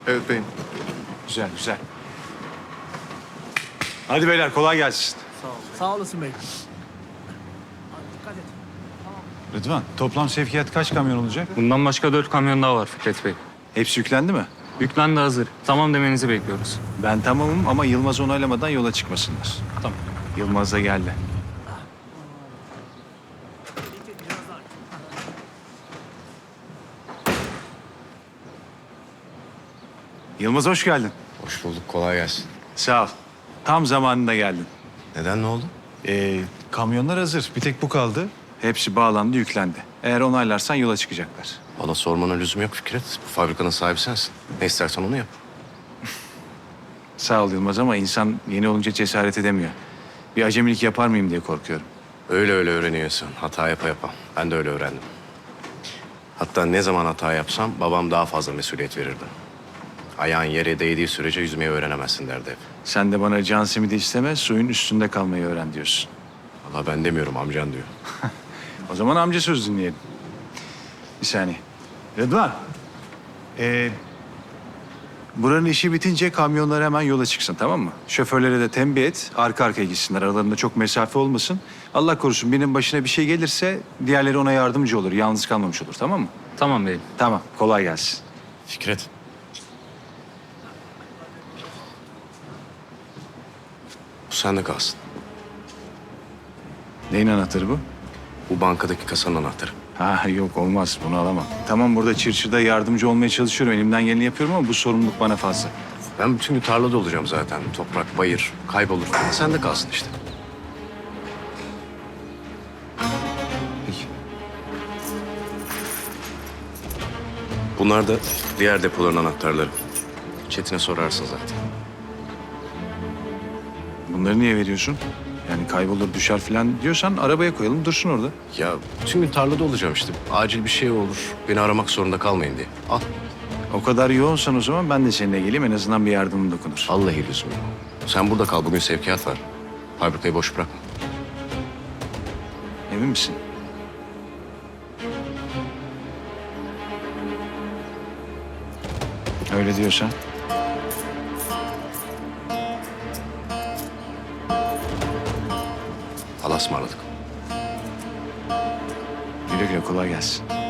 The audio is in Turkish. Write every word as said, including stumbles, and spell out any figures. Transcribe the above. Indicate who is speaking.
Speaker 1: Evet beyim.
Speaker 2: Güzel, güzel. Hadi beyler kolay gelsin.
Speaker 3: Sağ olasın bey. Dikkat et.
Speaker 2: Rıdvan, toplam sevkiyat kaç kamyon olacak?
Speaker 4: Bundan başka dört kamyon daha var Fikret Bey.
Speaker 2: Hepsi yüklendi mi?
Speaker 4: Yüklen de hazır. Tamam demenizi bekliyoruz.
Speaker 2: Ben tamamım ama Yılmaz onaylamadan yola çıkmasınlar.
Speaker 4: Tamam.
Speaker 2: Yılmaz da geldi. Yılmaz hoş geldin.
Speaker 5: Hoş bulduk, kolay gelsin.
Speaker 2: Sağ ol. Tam zamanında geldin.
Speaker 5: Neden, ne oldu?
Speaker 2: Ee, kamyonlar hazır. Bir tek bu kaldı. Hepsi bağlandı, yüklendi. Eğer onaylarsan yola çıkacaklar.
Speaker 5: Bana sormana lüzum yok Fikret. Bu fabrikanın sahibi sensin. Ne istersen onu yap.
Speaker 2: Sağ ol Yılmaz ama insan yeni olunca cesaret edemiyor. Bir acemilik yapar mıyım diye korkuyorum.
Speaker 5: Öyle öyle öğreniyorsun. Hata yapa yapa. Ben de öyle öğrendim. Hatta ne zaman hata yapsam babam daha fazla mesuliyet verirdi. Ayağın yere değdiği sürece yüzmeyi öğrenemezsin derdi hep.
Speaker 2: Sen de bana can simidi isteme, suyun üstünde kalmayı öğren diyorsun.
Speaker 5: Valla ben demiyorum, amcan diyor.
Speaker 2: O zaman amca söz dinleyelim. Bir saniye. Rıdvan. Ee, buranın işi bitince kamyonlar hemen yola çıksın, tamam mı? Şoförlere de tembih et, arka arkaya gitsinler. Aralarında çok mesafe olmasın. Allah korusun birinin başına bir şey gelirse diğerleri ona yardımcı olur. Yalnız kalmamış olur, tamam mı?
Speaker 4: Tamam beyim.
Speaker 2: Tamam, kolay gelsin.
Speaker 5: Fikret. Bu sende kalsın.
Speaker 2: Neyin anahtarı bu?
Speaker 5: Bu bankadaki kasanın anahtarı.
Speaker 2: Ha yok olmaz, bunu alamam. Tamam burada çırçırda yardımcı olmaya çalışıyorum. Elimden geleni yapıyorum ama bu sorumluluk bana fazla.
Speaker 5: Ben bütün gün tarlada olacağım zaten. Toprak, bayır, kaybolur. Sende kalsın işte.
Speaker 2: Peki.
Speaker 5: Bunlar da diğer depoların anahtarları. Çetin'e sorarsın zaten.
Speaker 2: Bunları niye veriyorsun? Yani kaybolur düşer falan diyorsan arabaya koyalım dursun orada.
Speaker 5: Ya bütün gün tarlada olacağım işte. Acil bir şey olur. Beni aramak zorunda kalmayın diye. Al.
Speaker 2: O kadar yoğunsan o zaman ben de seninle geleyim en azından bir yardımım dokunur.
Speaker 5: Vallahi lüzum yok. Sen burada kal. Bugün sevkiyat var. Fabrikayı boş bırakma.
Speaker 2: Emin misin? Öyle diyorsan.
Speaker 5: Allah'a ısmarladık.
Speaker 2: Güle güle kolay gelsin.